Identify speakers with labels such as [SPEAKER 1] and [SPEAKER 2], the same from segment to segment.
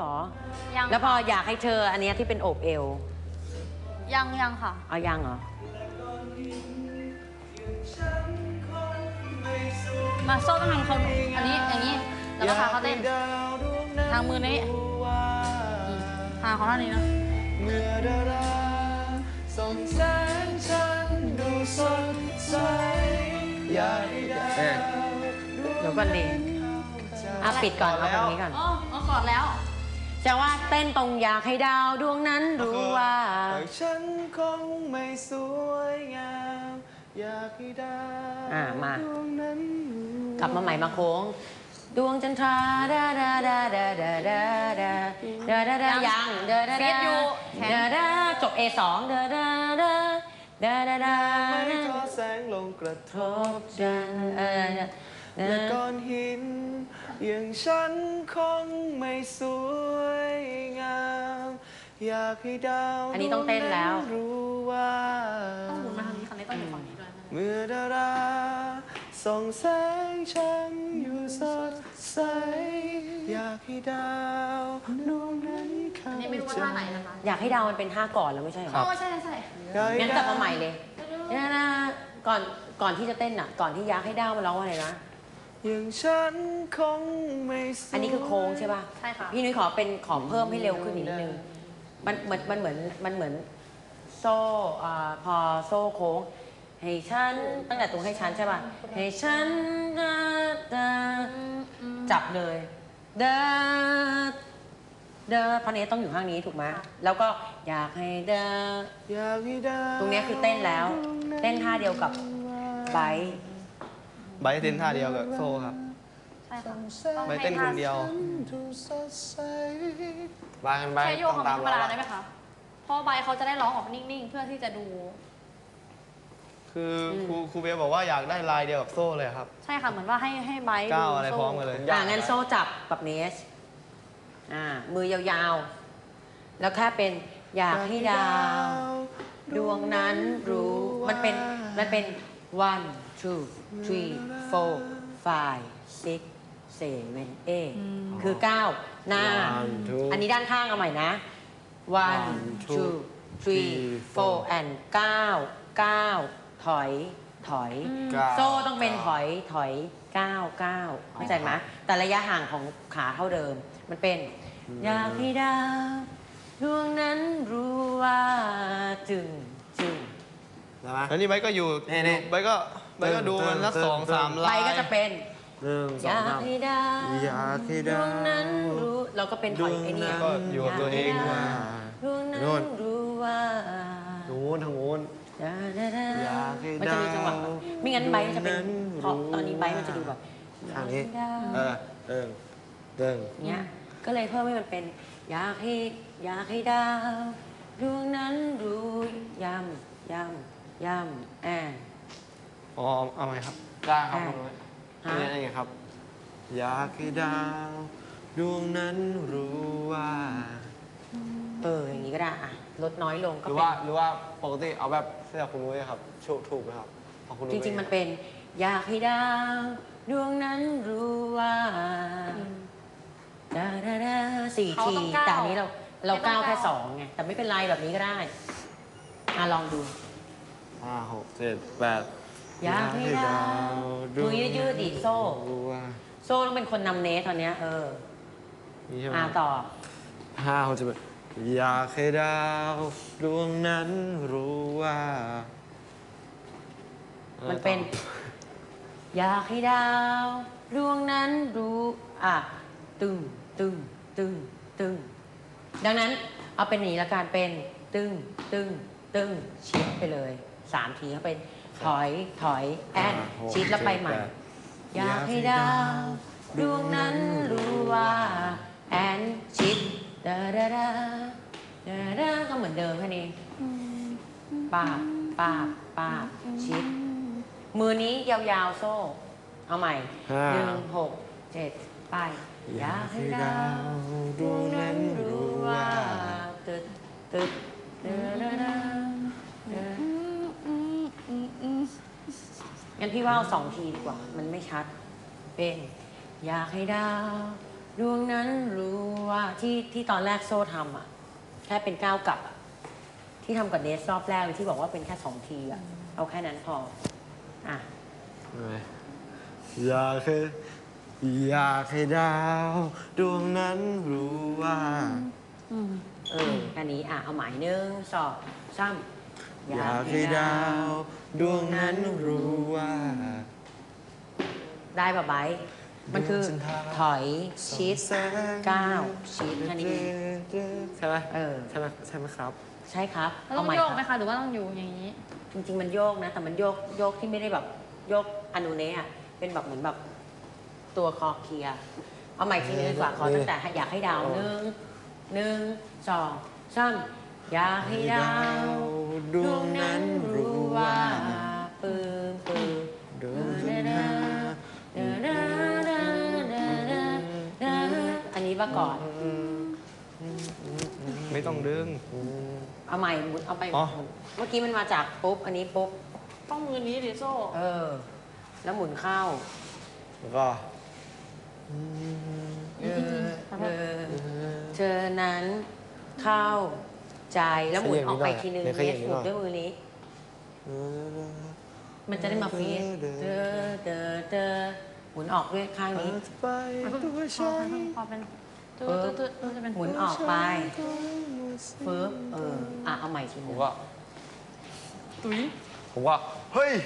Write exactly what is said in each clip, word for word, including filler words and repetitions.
[SPEAKER 1] รอ
[SPEAKER 2] ยัง
[SPEAKER 1] แล้วพออยากให้เธออันเนี้ยที่เป็นโอบเอว
[SPEAKER 2] ยังยังค่ะ
[SPEAKER 1] เอายังเหรอ
[SPEAKER 2] มาโซ่ต้องทำเขาอันนี้อย่างนี้แล้วก็พาเขาเต้นทางมือนี้ทางเขาเท่านี้นะ
[SPEAKER 3] เมื่อดาราส่องแสงฉันดูสดใสอยากให้ดาว
[SPEAKER 1] เดี๋ยวก่อนดิอ่ะปิดก่อนเอาตรงนี้ก่อน
[SPEAKER 2] อ๋อเอากอดแล้ว
[SPEAKER 1] จะว่าเต้นตรงอยากให้ดาวดวงนั้นรู้ว่า
[SPEAKER 3] แต่ฉันคงไม่สวยงามอยากให้ดาว
[SPEAKER 1] อ่ะมา
[SPEAKER 3] ดวงนั้นรู้
[SPEAKER 1] กลับมาใหม่มาโค้ง ดวงจันทราดาดาดาดาดาดาดาดาดาดายังเดาดา
[SPEAKER 2] ฟี
[SPEAKER 1] ดา
[SPEAKER 2] ดอยู่แขน
[SPEAKER 1] ดาดาจบ เอ สองเดาดาดาดาดาดา
[SPEAKER 3] ไม่ทอแสงลงกระท
[SPEAKER 1] ท
[SPEAKER 3] บบ
[SPEAKER 1] จันเออ
[SPEAKER 3] และก้อนหินอย่างฉันคงไม่สวยงามอยากให้ดาว
[SPEAKER 1] อันนี้ต้องเต้นแล้ว
[SPEAKER 3] ดงรู้ว่า
[SPEAKER 2] ต้องหมุนมาทางนี้คันนี้ต้องอยู่ฝั่งนี้ด้วย
[SPEAKER 3] เมื่อดาราส่องแสงฉันอยู่สดใสอยากให้ดาวดวงนั้นเข้า
[SPEAKER 2] อันนี้ไม่รู้ว่า
[SPEAKER 3] ใจ
[SPEAKER 2] ท่าไหนนะคะ
[SPEAKER 1] อยากให้ดาวมันเป็นท่าก่อนแล้วไม่ใช่เหรอ
[SPEAKER 2] อ๋อใช่ใช่
[SPEAKER 3] อยากให้
[SPEAKER 1] งั้นก
[SPEAKER 3] ด
[SPEAKER 1] ลับมาใหม่เลยนะนะก่อนก่อนที่จะเต้นอ่ะ ก่อนที่อยากให้ดาวมันร้องว่าอะไรนะ
[SPEAKER 3] อย่างฉันคงไม่สวย
[SPEAKER 1] อันนี้คือโค้งใช่ป่ะ
[SPEAKER 2] ใช่ค่ะ
[SPEAKER 1] พี่นุ้ยขอเป็นขอเพิ่มให้เร็วขึ้นอีกนิดนึง มันเหมือนมันเหมือนมันเหมือนโซ่อ่าพอโซ่โค้ง ให้ฉันตั้งแต่ตรงให้ฉันใช่ป่ะ ให้ฉันเดินเดินจับเลย เดินเดินเพราะนี้ต้องอยู่ข้างนี้ถูกไหมแล้วก็อยากให้เดิน
[SPEAKER 3] อยากให้ดาว
[SPEAKER 1] ตรงเนี้ยคือเต้นแล้ว เต้นท่าเดียวกับไบร์ท
[SPEAKER 3] ใบเต้นท่าเดียวกับโซ่ครับ
[SPEAKER 2] ใช่ค่ะ
[SPEAKER 3] ใบเต้นคนเดียว
[SPEAKER 4] บางกันไป
[SPEAKER 2] แค่โยก
[SPEAKER 4] ต้อ
[SPEAKER 2] ของ
[SPEAKER 4] งตาม
[SPEAKER 2] ธรรม
[SPEAKER 4] เรา
[SPEAKER 2] ดา
[SPEAKER 4] อะ
[SPEAKER 2] ได้ไหมคะ เพราะใบเขาจะได้ร้องออกนิ่งๆ เพื่อที่จะดู
[SPEAKER 3] คือครูครูเบลบอกว่าอยากได้ลายเดียวกับโซ่เลยครับ
[SPEAKER 2] ใช่ค่ะ เหมือนว่าให้ให้ใบ
[SPEAKER 3] ก้าวอะไร
[SPEAKER 2] ดู
[SPEAKER 3] พร้อมกันเลย
[SPEAKER 1] อ่างั้นโซ่จับกับเนส อ่า มือยาวๆ แล้วแค่เป็นอยากให้ดาว ดวงนั้นรู้ มันเป็น มันเป็น one two three four five six seven eight คือเก้าหน้า
[SPEAKER 4] One, two
[SPEAKER 1] อันนี้ด้านข้างเอาใหม่นะ one
[SPEAKER 4] One,
[SPEAKER 1] two
[SPEAKER 4] two,
[SPEAKER 1] three
[SPEAKER 4] three,
[SPEAKER 1] four
[SPEAKER 4] four
[SPEAKER 1] and เก้าเก้าถอย ถอย
[SPEAKER 4] เก้า
[SPEAKER 1] โซ่ต้องเป็นถอย ถอยเก้าเก้าเข้าใจไหมแต่ระยะห่างของขาเท่าเดิม มันเป็น อยากให้ดาวดวงนั้นรู้ว่าจึงจึง
[SPEAKER 4] ได้ไหม
[SPEAKER 3] แล้วนี่ใบก็อยู่
[SPEAKER 4] นี่นี่
[SPEAKER 3] ใบก็ใบก็ดูมันสัก
[SPEAKER 4] เติม
[SPEAKER 3] สอง
[SPEAKER 4] เติม
[SPEAKER 3] สาม
[SPEAKER 1] ไป
[SPEAKER 3] ลาย
[SPEAKER 1] ก็จะเป็น
[SPEAKER 4] หนึ่งส
[SPEAKER 1] อ
[SPEAKER 4] อง
[SPEAKER 1] ยาก
[SPEAKER 4] สาม
[SPEAKER 1] ให้ดาว
[SPEAKER 4] อยากให้ดาว
[SPEAKER 1] ดวงนั้นรู้เราก็เป็นถอยไอ้นี่
[SPEAKER 3] ก็อยู่กับตัวเอง
[SPEAKER 1] อยาก
[SPEAKER 3] ว่า
[SPEAKER 1] ให้ดาวดวงนั้นรู้ว่า
[SPEAKER 4] นู้นทางนู้น
[SPEAKER 1] ดาดาดา
[SPEAKER 4] อยากให้
[SPEAKER 1] มันจะมีจังหวะ
[SPEAKER 4] ดาว
[SPEAKER 1] ไม่งั้นใบมันจะเป็น
[SPEAKER 4] ดวงนั้น
[SPEAKER 1] เพราะ
[SPEAKER 4] รู้
[SPEAKER 1] ตอนนี้ใบมันจะดูแบบ
[SPEAKER 4] ทางนี้
[SPEAKER 1] อยกให้ดาว
[SPEAKER 4] เออเดิงเดิง
[SPEAKER 1] เนี้ยก็เลยเพิ่มให้มันเป็น อยากให้อยากให้ดาวดวงนั้นรู้ย้ำย้ำย้ำแอน
[SPEAKER 3] อ๋อเอาไหมครับ
[SPEAKER 4] ได้ครับ
[SPEAKER 1] ได้
[SPEAKER 4] คุณนุ้ย
[SPEAKER 1] ฮะ
[SPEAKER 4] นี่นี่ไงครับ อยากให้ดาวดวงนั้นรู้ว่า
[SPEAKER 1] เอออย่างนี้ก็ได้อะลดน้อยลง
[SPEAKER 4] ห
[SPEAKER 1] ก็
[SPEAKER 4] รือ
[SPEAKER 1] เป็
[SPEAKER 4] ว่าน หรือว่าปกติเอาแบบเสื้อคุณนุ้ยครับถูกถูกไหมครับของคุณนุ้
[SPEAKER 1] จ
[SPEAKER 4] ย
[SPEAKER 1] ริง ๆ มันเป็น อยากให้ดาวดวงนั้นรู้ว่าดาดาดาสี่
[SPEAKER 2] เขา
[SPEAKER 1] ที
[SPEAKER 2] ต้องก้าว
[SPEAKER 1] แต่อันนี้เราเรา
[SPEAKER 2] ไม่ต้อง
[SPEAKER 1] ก้าวแค่
[SPEAKER 2] ก้าว
[SPEAKER 1] สองไงแต่ไม่เป็นไรแบบนี้ก็ได้อ่ะลองดู
[SPEAKER 4] ห้าหกเจ็ดแปด
[SPEAKER 1] อยากให้ดาวมือยืดๆดิโซ่
[SPEAKER 4] รู้ว่า
[SPEAKER 1] โซ่ต้องเป็นคนนำเนสตอนเนี้ยเออ
[SPEAKER 4] นี่ใช่ไหม
[SPEAKER 1] อ่ะต่อ
[SPEAKER 4] ห้าหกเจ็ดแปดอยากให้ดาวดวงนั้นรู้ว่า
[SPEAKER 1] มั
[SPEAKER 4] มัน
[SPEAKER 1] เป็น อยากให้ดาวดวงนั้นรู้อ่ะตึงตึงตึงตึงดังนั้นเอาเป็นอย่างนี้ละกันเป็นตึงตึงตึงชิดไปเลยสามทีเขาเป็นถอยถอยแอนชิดแล้วไปใหม่ อยากให้ดาวดวงนั้นรู้ว่าแอนชิดดาดาดาดาดาก็เหมือนเดิมแค่นี้ป้าบป้าบป้าบชิด มือนี้ยาวๆโซ่ เอาใหม่
[SPEAKER 4] ห้า
[SPEAKER 1] หนึ่งหกเจ็ดไปอยากให้ดาวดวงนั้นรู้ว่าตึดตึดเดาดาดาเดางั้นพี่ว่าเอาสองทีดีกว่า มันไม่ชัด เป็น อยากให้ดาวดวงนั้นรู้ว่าที่ที่ตอนแรกโซ่ทำอ่ะ แค่เป็นก้าวกลับอ่ะ ที่ทำกับเนสรอบแรกเลยที่บอกว่าเป็นแค่สองทีอ่ะ เอาแค่นั้นพอ อ่ะ
[SPEAKER 4] อยากให้อยากให้ดาวดวงนั้นรู้ว่า
[SPEAKER 1] เอออันนี้อ่ะ เอาหมายหนึ่งสองสาม
[SPEAKER 4] อยากให้ดาวดวงนั้นรู้ว่า
[SPEAKER 1] ได้ป่ะไบร์ทมันคือถอยชิดก้าวชิดแค่นี้เอง
[SPEAKER 4] ใช่ไหม
[SPEAKER 1] เออ
[SPEAKER 4] ใช่ไหมใช่ไหมครับ
[SPEAKER 1] ใช่ครับ
[SPEAKER 2] แล้วต้อง
[SPEAKER 1] ใหม่
[SPEAKER 2] โยก
[SPEAKER 1] ค
[SPEAKER 2] ไหม
[SPEAKER 1] รับ
[SPEAKER 2] คะหรือว่าต้องอยู่อย่างนี้
[SPEAKER 1] จริง ๆ มันโยกนะ แต่มันโยกโยกที่ไม่ได้แบบโยกอนูเนะอะเป็นแบบเหมือนแบบตัวคอเคลียร์เอาใหม่ทีนึงดีกว่าขอตั้งแต่อยากให้ดาวหนึ่งหนึ่งสองสามอยากให้ดาวดวงนั้นรู้ว่าปืนปืน
[SPEAKER 4] ดวงนั้น
[SPEAKER 1] อันนี้มาก่อน
[SPEAKER 3] ไม่ต้องดึง
[SPEAKER 1] เอาใหม่หมุนเอาไป
[SPEAKER 3] อ๋อ
[SPEAKER 1] หมุนเมื่อกี้มันมาจากปุ๊บ อันนี้ปุ๊บ
[SPEAKER 2] ต้องมือนี้ดิโซ่
[SPEAKER 1] เออ แล้วหมุนเข้า
[SPEAKER 4] แล้วก็
[SPEAKER 1] เออเออเธอนั้นเข้าใจแล้วหมุนออกไปทีนึง
[SPEAKER 4] เดี๋ยวข
[SPEAKER 1] เน
[SPEAKER 4] ยั
[SPEAKER 1] ส
[SPEAKER 4] บนิด
[SPEAKER 1] ห
[SPEAKER 4] หน่
[SPEAKER 1] มุ
[SPEAKER 4] อน ย
[SPEAKER 1] ด้วยมือนี้ มันจะได้มาฟีดเดอเดอเดอหมุนออกด้วยข้างนี้
[SPEAKER 4] ไปตัว
[SPEAKER 2] พอ
[SPEAKER 4] ฉัน
[SPEAKER 2] พอเป็นตื้อตื้อตื้อตื้อจะเป็น
[SPEAKER 1] หมุนออกไปปึ๊บเออ อ่ะ เอาใหม่ที
[SPEAKER 4] ผ
[SPEAKER 1] นึ
[SPEAKER 4] ม
[SPEAKER 1] ง
[SPEAKER 4] ก็
[SPEAKER 2] ตุ้ย
[SPEAKER 4] ผมก็เฮ้ย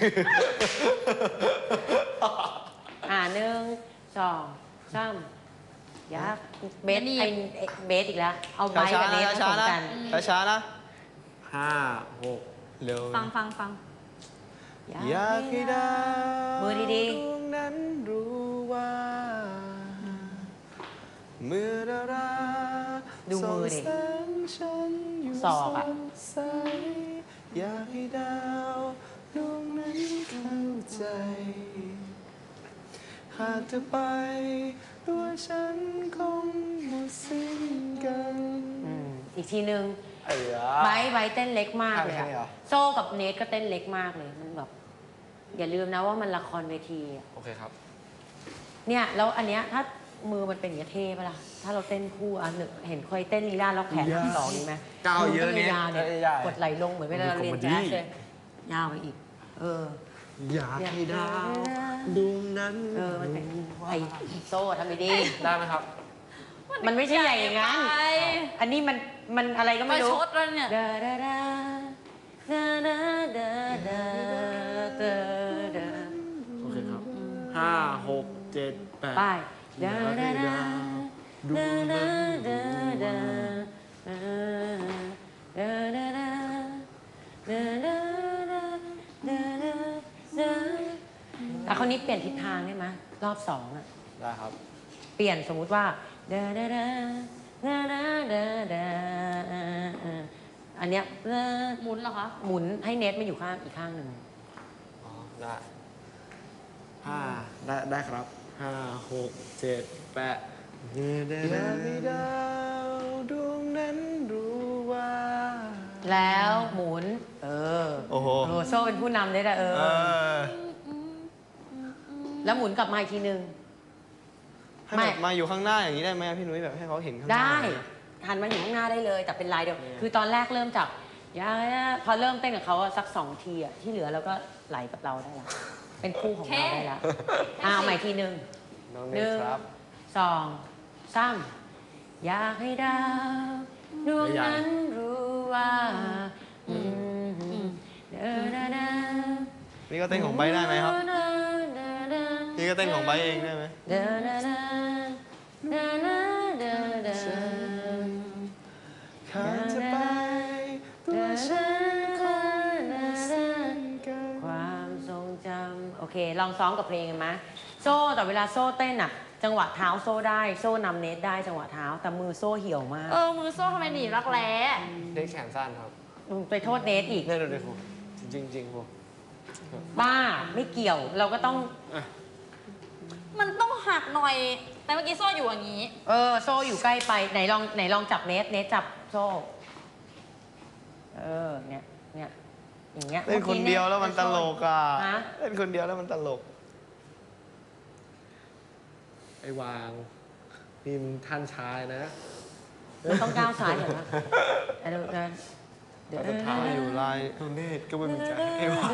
[SPEAKER 1] อ่ะหนึ่งสองสามยักเบสไอเบสอีกแล้ว เอาไบ
[SPEAKER 3] ช้า
[SPEAKER 1] กับเนส
[SPEAKER 3] ๆ
[SPEAKER 1] ผ
[SPEAKER 3] นะ
[SPEAKER 1] สมกัน
[SPEAKER 3] ช้าๆช้าๆนะ
[SPEAKER 4] ห้าหก
[SPEAKER 3] เร็ว
[SPEAKER 2] ฟังฟังฟัง
[SPEAKER 3] อยากให้ดาว
[SPEAKER 1] มือดี
[SPEAKER 3] ดวงนั้นรู้ว่า เมื่อดารา
[SPEAKER 1] ดูมือดิ
[SPEAKER 3] ส่งแสงฉันอยู่
[SPEAKER 1] ศอกอะ
[SPEAKER 3] สดใสอยากให้ดาวดวงนั้นเข้าใจ หากเธอไปตัวฉันคงหมดสิ้นกัน
[SPEAKER 1] ๆอืมอีกทีนึง
[SPEAKER 4] ไอ้ยา
[SPEAKER 1] ไบร์ทไบร์ทเต้นเล็กมากเลย
[SPEAKER 3] แค่นี้เหรอ
[SPEAKER 1] อะโซ่กับเนสก็เต้นเล็กมากเลย มันแบบ อย่าลืมนะว่ามันละครเวทีอะ
[SPEAKER 4] โอเคครับ
[SPEAKER 1] เนี่ย แล้วอันเนี้ยถ้ามือมันเป็นอย่างเงี้ยเท่ปะล่ะ ถ้าเราเต้นคู่อันหนึ่งเห็นเคยเต้นลีลาล็อกแขนทั้งสองนี้ไหม
[SPEAKER 4] ก้าวเยอะเนี่ย
[SPEAKER 1] มืต้งยาวๆเนี่ย
[SPEAKER 4] เอ้ยใหญ่
[SPEAKER 1] กดไหลลงเหมือนเวลาเราเรียน
[SPEAKER 4] มันเป็นคอมเมดี้
[SPEAKER 1] แจ๊สเลยยาวไปอีก เออ
[SPEAKER 4] อยากให้ดาวดวงนั้น
[SPEAKER 1] เออ มันเป็นไอโซ่ทำไม่ดี
[SPEAKER 4] ได้ไหมครับ
[SPEAKER 1] มันไม่ใช่ใหญ่อย่างนั้น
[SPEAKER 2] ไป
[SPEAKER 1] อันนี้มันมันอะไรก็
[SPEAKER 2] ไป
[SPEAKER 1] ไม่รู้
[SPEAKER 2] ชดแล้วเนี่ย
[SPEAKER 1] ดาดาดาดาดาดาดาดาดา
[SPEAKER 4] โอเคครับห้าหกเจ็ดแปด
[SPEAKER 1] ไปดาดาดา
[SPEAKER 4] ดว
[SPEAKER 1] ดาง ดา
[SPEAKER 4] นั้น
[SPEAKER 1] ดาดาดาดาดาดาดาดาดาดาดาดาอ่ะคนนี้เปลี่ยนทิศทางได้ไหมรอบสองอ่ะ
[SPEAKER 4] ได้ครับ
[SPEAKER 1] เปลี่ยนสมมุติว่าดาดาดาดาดาดาดาอันเนี้ย
[SPEAKER 2] หมุนเหรอคะ
[SPEAKER 1] หมุนให้เน็ตมาอยู่ข้างอีกข้างหนึ่ง
[SPEAKER 4] อ๋อ ได้ห้าได้ได้ครับห้าหกเจ็ดแปด
[SPEAKER 3] อยากให้ดาวดวงนั้นรู้ว่า
[SPEAKER 1] แล้วหมุน เออ
[SPEAKER 3] โอ้โห
[SPEAKER 1] โโซ่เป็นผู้นำได้ละเออ
[SPEAKER 3] เออ
[SPEAKER 1] แล้วหมุนกลับมาอีกทีหนึ่ง
[SPEAKER 3] ให้แบบมาอยู่ข้างหน้าอย่างนี้ได้ไหมพี่นุ้ยแบบให้เขาเห็นข้างหน้า
[SPEAKER 1] ได้หันมาอยู่ข้างหน้าได้เลย แต่เป็นลายเดียว คือตอนแรกเริ่มจากยาพอเริ่มเต้นกับเขาอะสักสองทีอะที่เหลือเราก็ไหลกับเราได้ละเป็นคู่ของเราได้ละอ่ะเอาใหม่ทีหนึ่ง
[SPEAKER 4] น้อง
[SPEAKER 1] ห
[SPEAKER 4] เน
[SPEAKER 1] นึ่
[SPEAKER 4] ส
[SPEAKER 1] ง
[SPEAKER 4] ครับ
[SPEAKER 1] สองสามอยากให้ดาวดวงนั้นรู้ว่าอืมเดอดาดา
[SPEAKER 3] นี่ก็เต้นของไบร์ทได้ไหมครับ นี่ก็เต้นของไบร์ทเองได้ไหม
[SPEAKER 1] เดอดาดาดาดาดาดา
[SPEAKER 3] ข้าจะไปตัวฉันคงหมดสิ้นกัน
[SPEAKER 1] ความทรงจำโอเค ลองซ้อมกับเพลงกันไหมโซ่แต่เวลาโซ่เต้นอะจังหวะเท้าโซ่ได้โซ่นำเนตได้จังหวะเท้า แต่มือโซ่เหี่ยวมาก
[SPEAKER 2] เออ มือโซ่ทำไมหนีบรักแร้
[SPEAKER 4] เนสแขนสั้นครับ
[SPEAKER 1] มึงไปโทษเนตอีก
[SPEAKER 4] เนี่ยดูดิครูจริงจริงๆครู
[SPEAKER 1] บ้าไม่เกี่ยวเราก็ต้อง
[SPEAKER 2] มันต้องหักหน่อย แต่เมื่อกี้โซ่อยู่อย่างนี้
[SPEAKER 1] เออโซ่อยู่ใกล้ไปไหนลองไหนลองจับเนตเนตจับโซ่ เออเนี่ยเนี่ยอย่างเงี้ย
[SPEAKER 3] เล่นคนเดียวแล้วมันตลกอ่ะ
[SPEAKER 1] ฮะ
[SPEAKER 3] เล่นคนเดียวแล้วมันตลก
[SPEAKER 4] ไอ้วางนี่มันท่านชายนะ
[SPEAKER 1] เราต้องก้าวซ้ายเห็นไหมเดี๋ยวเดินเดี๋ยว
[SPEAKER 3] สุดท้ายอยู่ลายโดเนตก็ไม่มีใจให้ว่า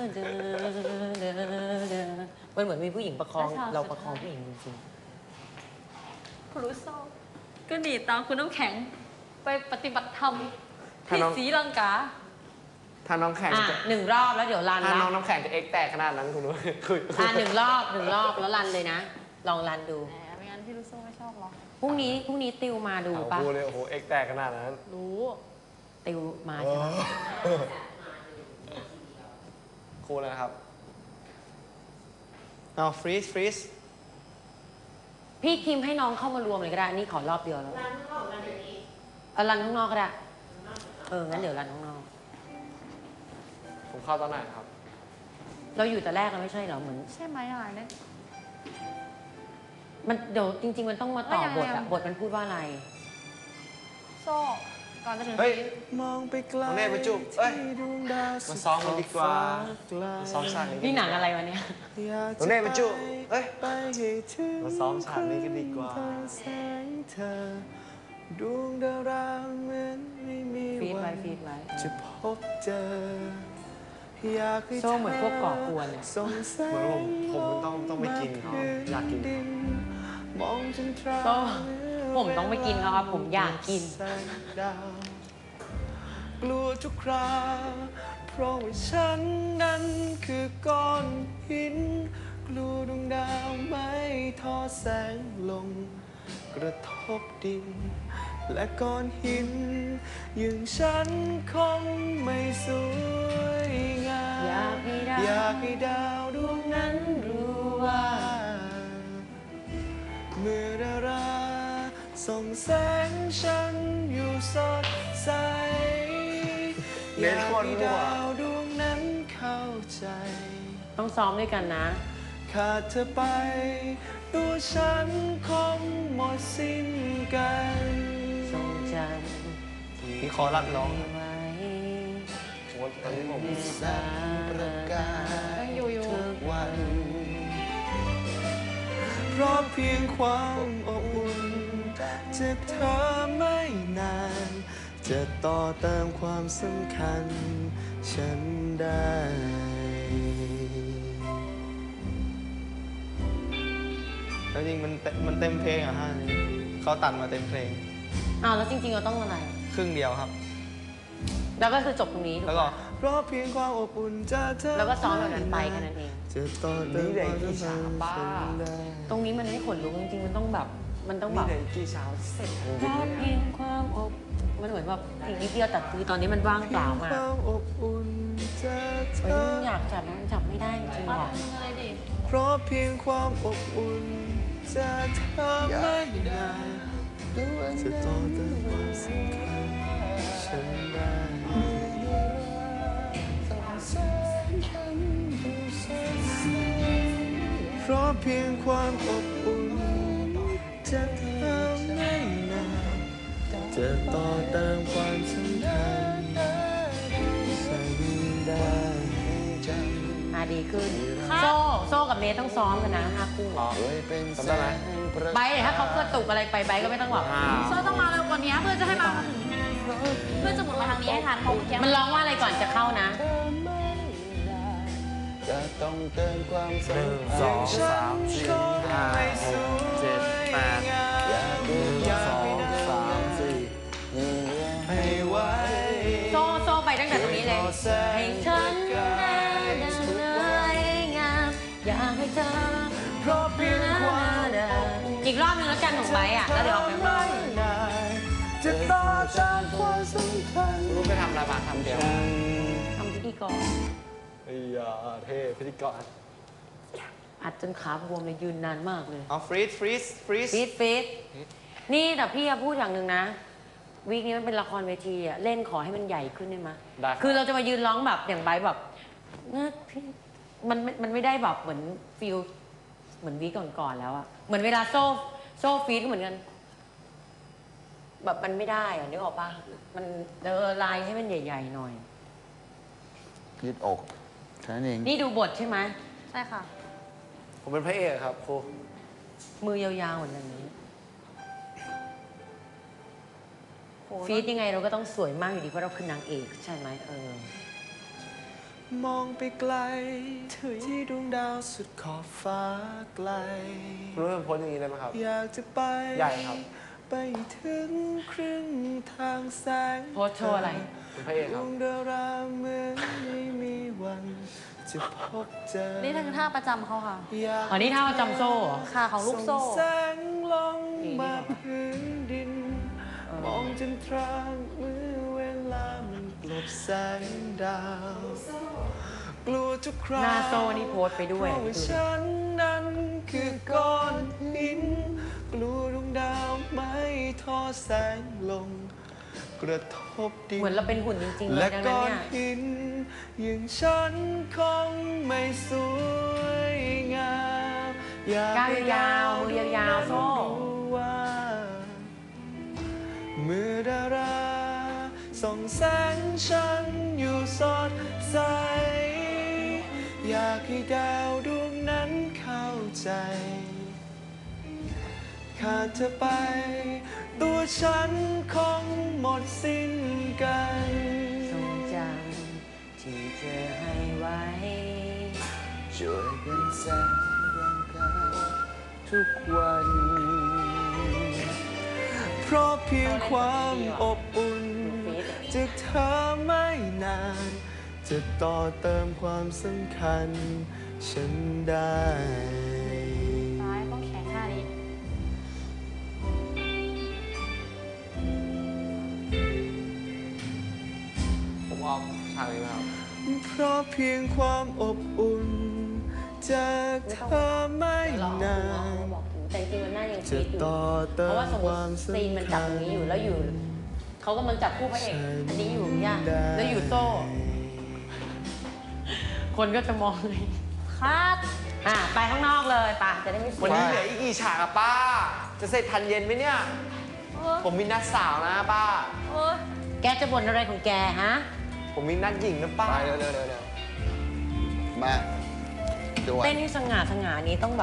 [SPEAKER 1] มันเหมือนมีผู้หญิงประคองเราประคองผู้หญิงจริง
[SPEAKER 2] ครูโซก็หนีตามคุณน้ำแข็งไปปฏิบัติธรรม
[SPEAKER 4] ถ้า
[SPEAKER 2] ที่
[SPEAKER 4] น้อง
[SPEAKER 2] ศรีลังกา
[SPEAKER 4] ถ้าน้องแข่ง
[SPEAKER 1] อ่ะ
[SPEAKER 4] จะ
[SPEAKER 1] หนึ่งรอบแล้วเดี๋ยวรัน
[SPEAKER 4] ถ้า
[SPEAKER 1] ละ
[SPEAKER 4] น้องน้ำแข็งจะเอ็กแตกขนาดนั้นคุณรู้คุย
[SPEAKER 1] อ่ะหนึ่งรอบหนึ่งรอบแล้วรันเลยนะ ลองรันดู
[SPEAKER 2] แหมไม่งั้นพี่ลูโซไม่ชอบหรอก
[SPEAKER 1] พรุ่งนี้พรุ่งนี้ติวมาดู
[SPEAKER 4] เอา
[SPEAKER 1] ปะ
[SPEAKER 4] พูดเลยโอ้โหเอ็กแตกขนาดนั้น
[SPEAKER 2] รู้
[SPEAKER 1] ติวมาใช่ไหม
[SPEAKER 4] ครูเลยนะครับ
[SPEAKER 3] เอาฟรีสฟรีส
[SPEAKER 1] พี่คิมให้น้องเข้ามารวมเลยก็ได้นี่ขอรอบเดียวแล้วรันข้างนอกรันอย่างนี้เอารันข้างนอกก็ได้เอองั้นเดี๋ยวรันข้างนอก
[SPEAKER 4] ผมเข้าตอนไหนครับ
[SPEAKER 1] เราอยู่แต่แรกเราไม่ใช่เหรอเหมือน
[SPEAKER 2] ใช่ไหมอะไรเนี่ย
[SPEAKER 1] มันเดี๋ยวจริง ๆ มันต้องมาต่อ
[SPEAKER 2] เอ้ยยังไง
[SPEAKER 1] บทอะ
[SPEAKER 2] อะ
[SPEAKER 1] บทมันพูดว่าอะไร
[SPEAKER 2] โซ่ก่อนจะถึง
[SPEAKER 4] เฮ้ย
[SPEAKER 2] พีค
[SPEAKER 3] มองไปไกล
[SPEAKER 4] น้องเนตรไปจุ๊บเอ้ย
[SPEAKER 3] ที่ดวงดาว
[SPEAKER 4] มาซ้อมกันดีกว่า
[SPEAKER 3] ไกล
[SPEAKER 4] มาซ้อมฉากนี้
[SPEAKER 1] นี่หนังอะไรวะเนี่ย
[SPEAKER 3] อยาก
[SPEAKER 4] น้องเนตรไปจุ๊บเอ้ย
[SPEAKER 3] ไปให้ถึง
[SPEAKER 4] มาซ้อมฉากนี้กันดีกว่า
[SPEAKER 3] ครึ่งทงแสงเธอดวงดาวราเหมือนไม่มี
[SPEAKER 1] ฟีด
[SPEAKER 3] วั
[SPEAKER 1] ไว้
[SPEAKER 3] น
[SPEAKER 1] ฟีดไว้
[SPEAKER 3] จะพบเจออยากให้
[SPEAKER 1] โซ่เหมือนพวกก่อกวนเลย
[SPEAKER 3] ส่งแสง
[SPEAKER 4] เหมือนผมผมต้องต้องไปกินเขาอยากกิน
[SPEAKER 3] ดิมองจนตรา
[SPEAKER 1] โซ่ผมต้องไปกินเขาครับผมอยากกิน
[SPEAKER 3] แสงดาวกลัวทุกคราเพราะว่าฉันนั้นคือก้อนหิน กลัวดวงดาวไม่ทอดแสงลง กระทบดิน และก้อนหินอย่างฉันคงไม่สวยงาม
[SPEAKER 1] อยากให้ดาว
[SPEAKER 3] อยากให้ดาวดวงนั้นรู้ว่า เมื่อดาราส่องแสงฉันอยู่สดใส
[SPEAKER 4] เล่นโคตรมั่ว
[SPEAKER 3] อยากให้ดาวดวงนั้นเข้าใจ
[SPEAKER 1] ต้องซ้อมด้วยกันนะ
[SPEAKER 3] ขาดเธอไป ตัวฉันคงหมดสิ้นกัน
[SPEAKER 1] ทรงจ
[SPEAKER 3] พี่ขอรัดร้อง
[SPEAKER 1] ำไว้
[SPEAKER 4] โอ้ตอนนี้ผม
[SPEAKER 3] แสงประกาย
[SPEAKER 2] ยังอยู่อยู่
[SPEAKER 3] ทุกวัน เพราะเพียงความอบอุ่นจากเธอไม่นาน จะต่อเติมความสำคัญฉันได้แล้วจริงมันเต็มมันเต็มเพลงอ่ะฮะนี่เขาตัดมาเต็มเพลง
[SPEAKER 1] อ้าวแล้วจริงๆเราต้องอะไร
[SPEAKER 3] ครึ่งเดียวครับ
[SPEAKER 1] แล้วก็คือจบตรงนี้ถูก
[SPEAKER 3] แล้วก็
[SPEAKER 1] ปะ
[SPEAKER 3] เพราะเพียงความอบอุ่นจากเธอ
[SPEAKER 1] แล้วก็ซ้อมแบบนั้นไปแค่นั้นเอง
[SPEAKER 3] จะต่อเติมความสัมพันธ์ฉันได้
[SPEAKER 1] ตรงนี้มันไม่ขนลุกจริงๆมันต้องแบบมันต้องแบ
[SPEAKER 4] นี่
[SPEAKER 1] บ
[SPEAKER 4] เดี๋ยวอีกกี่เช้าเสร็จจริง
[SPEAKER 1] เพราะ
[SPEAKER 4] ๆ
[SPEAKER 1] เพียงความอบมันเหมือนแบบอีกนิดเดียวแต่คือตอนนี้มันว่างเปล่ามาก
[SPEAKER 3] ความอบอุ่นจากเธ
[SPEAKER 1] เฮ้ย
[SPEAKER 3] อ
[SPEAKER 1] มันอยากจับแล้วมันจับไม่ได้จริงๆ
[SPEAKER 2] ปั๊บ
[SPEAKER 1] ว่ะ
[SPEAKER 2] มึงอะไรดิ
[SPEAKER 3] เพราะเพียงความอบอุ่นจากเธอไม่นานจะต่อเติมความสำคัญฉันได้เพราะเพียงความอบอุ่นจากเธอไม่นานจะต่อเติมความสำคัญฉันได้
[SPEAKER 1] อ่ะดีขึ้น โซ่โซ่กับเนทต้องซ้อมกันนะห้าคู่
[SPEAKER 4] อ๋อจำได้ไหม
[SPEAKER 1] ไบร์ทถ้าเขากระตุกอะไรไปไบร์ทก็ไม่ต้องบอก
[SPEAKER 4] อ่า
[SPEAKER 2] โซ่ต้องมาเร็วกว่านี้เพื่อจะให้มาถึงเพื่อจะหมุนมาทางนี้ให้ทันเพราะเมื่อกี้
[SPEAKER 1] มันร้องว่าอะไรก่อนจะเข้านะ
[SPEAKER 3] จะต้องเติมความ
[SPEAKER 4] หนึ่งสองสามสี่ห้าหกเจ็ดแปดหนึ่งสองสามสี่
[SPEAKER 3] ให้ไว้
[SPEAKER 1] โซ่โซ่ไปตั้งแต่ตรงนี้เลยให้ฉันได้ดังเลยงามอยากให้เธอ
[SPEAKER 3] เพราะเพียงความ
[SPEAKER 1] อีกรอบนึงแล้วกันของไบร์ทอ่ะแล้วเดี๋ยวออกไปข้างนอก
[SPEAKER 3] นานจะต่อจากความสำคัญ
[SPEAKER 4] รู้ไปทำอะไรมาทำเดียว
[SPEAKER 1] ทำพิธีกร
[SPEAKER 4] ไอ้ยาเท่พิธีกร
[SPEAKER 1] อัดจนขาบวมเลยยืนนานมากเลย
[SPEAKER 3] เอาฟรีดฟรีดฟรีด
[SPEAKER 1] ฟีดฟีดนี่แต่พี่อะพูดอย่างหนึ่งนะ วีคนี้มันเป็นละครเวทีอะเล่นขอให้มันใหญ่ขึ้นได้ไหม
[SPEAKER 4] ได้รับ
[SPEAKER 1] คือเราจะมายืนร้องแบบอย่างไบร์ทแบบเงือกพี่มันมันไม่ได้แบบเหมือนฟิลเหมือนวีคก่อนๆแล้วอะเหมือนเวลาโซ่โซ่ฟีดก็เหมือนกัน แบบมันไม่ได้อะนึกออกปะมันเออลายให้มันใหญ่ๆหน่อย
[SPEAKER 5] ยืดอกแค่นั้นเอง
[SPEAKER 1] นี่ดูบทใช่ไหม
[SPEAKER 2] ใช่ค่ะ
[SPEAKER 4] ผมเป็นพระเอกครับครู
[SPEAKER 1] มือยาวๆเหมือนกันนี้
[SPEAKER 2] โห
[SPEAKER 1] ฟีดยังไงเราก็ต้องสวยมากอยู่ดีเพราะเราคือนางเอกใช่ไหมเออ
[SPEAKER 3] มองไปไกลที่ดวงดาวสุดขอบฟ้าไกล
[SPEAKER 4] รู้เป็นโพสอย่างนี้ได้ไหมครับ
[SPEAKER 3] อยากจะไป
[SPEAKER 4] ใหญ่ครับ
[SPEAKER 3] ไปถึงครึ่งทางแสง
[SPEAKER 1] โพสโชว์อะไร
[SPEAKER 4] เป็นพระเอก
[SPEAKER 3] ด
[SPEAKER 4] ครั
[SPEAKER 3] ว
[SPEAKER 4] บ
[SPEAKER 3] งดาราเหมือนไม่มีวันจะพบเจอ
[SPEAKER 2] นี่คือท่าประจำเขาค่ะ
[SPEAKER 3] อยาก
[SPEAKER 1] อ๋อนี่ท่าประจำโซ่เหรอ
[SPEAKER 2] ค่ะของลูกโซ่
[SPEAKER 3] ส่งแสงลงมาพื้นดิน มองจนตราเมื่อเวลามันกลบแสงดาว กลัวทุกครา
[SPEAKER 1] หน้าโซ่นี่โพสไปด้วย
[SPEAKER 3] เพราะว่าฉันนั้นคือก้อนหิน กลัวดวงดาวไม่ทอดแสงลง กระทบดิน
[SPEAKER 1] เหมือนเราเป็นหุ่นจริงๆเล
[SPEAKER 3] และ
[SPEAKER 1] ยดังนั้น
[SPEAKER 3] ก้อน
[SPEAKER 1] เนี่ย
[SPEAKER 3] หินอย่างฉันคงไม่สวยงามอยาก
[SPEAKER 1] ก้าว
[SPEAKER 3] ให้
[SPEAKER 1] ยาวๆมือยาวๆโซ่
[SPEAKER 3] รู้ว่าเมื่อดาราส่องแสงฉันอยู่สดใส อยากให้ดาวดวงนั้นเข้าใจขาดเธอไป ตัวฉันคงหมดสิ้นกัน
[SPEAKER 1] ทรงจำที่เธอให้ไว้
[SPEAKER 5] ช่วยเป็นแสงร่างกายทุกวัน
[SPEAKER 3] เพราะเพียงความอบอุ่นจากเธอไม่นาน จะต่อเติมความสำคัญฉันได้
[SPEAKER 2] ซ้ายต้องแขนท่านี้
[SPEAKER 4] ผมเอาฉากนี้มาครับ
[SPEAKER 3] เพราะเพียงความอบอุ่นจากเธอไม่นาน
[SPEAKER 1] บอกถึงแต่จริงๆมันหน้ายัง
[SPEAKER 3] จะ
[SPEAKER 1] ฟีดอยู่
[SPEAKER 3] ต่อ
[SPEAKER 1] เพ
[SPEAKER 3] เติ
[SPEAKER 1] ราะ
[SPEAKER 3] ม
[SPEAKER 1] ว่าสมม
[SPEAKER 3] ค
[SPEAKER 1] ติ
[SPEAKER 3] วาม
[SPEAKER 1] ซีนมัน
[SPEAKER 3] สำ
[SPEAKER 1] จั
[SPEAKER 3] คั
[SPEAKER 1] บ
[SPEAKER 3] ญ
[SPEAKER 1] ตรงนี้อยู่แล้วอยู่ เขากำลังจับคู่พระเอก อันนี้อยู่ย่าแล้วอยู่โซ่ คนก็จะมองเลย
[SPEAKER 2] คัด
[SPEAKER 1] อ่ะไปข้างนอกเลยไป่ะจะได้ไม่เสีย
[SPEAKER 4] วันนี้เหลืออีกกี่ฉากอะป้า จะเสร็จทันเย็นไหมเนี่ย
[SPEAKER 2] เออ
[SPEAKER 4] ผมมีนัดสาวนะป้า
[SPEAKER 2] เออ
[SPEAKER 1] แกจะบ่นอะไรของแกฮะ
[SPEAKER 4] ผมมีนัดหญิงนะป้า
[SPEAKER 5] ไปเร็วๆเร็วๆมาด้วย
[SPEAKER 1] เต้นให้สง่าสง่านี้ต้องแบบ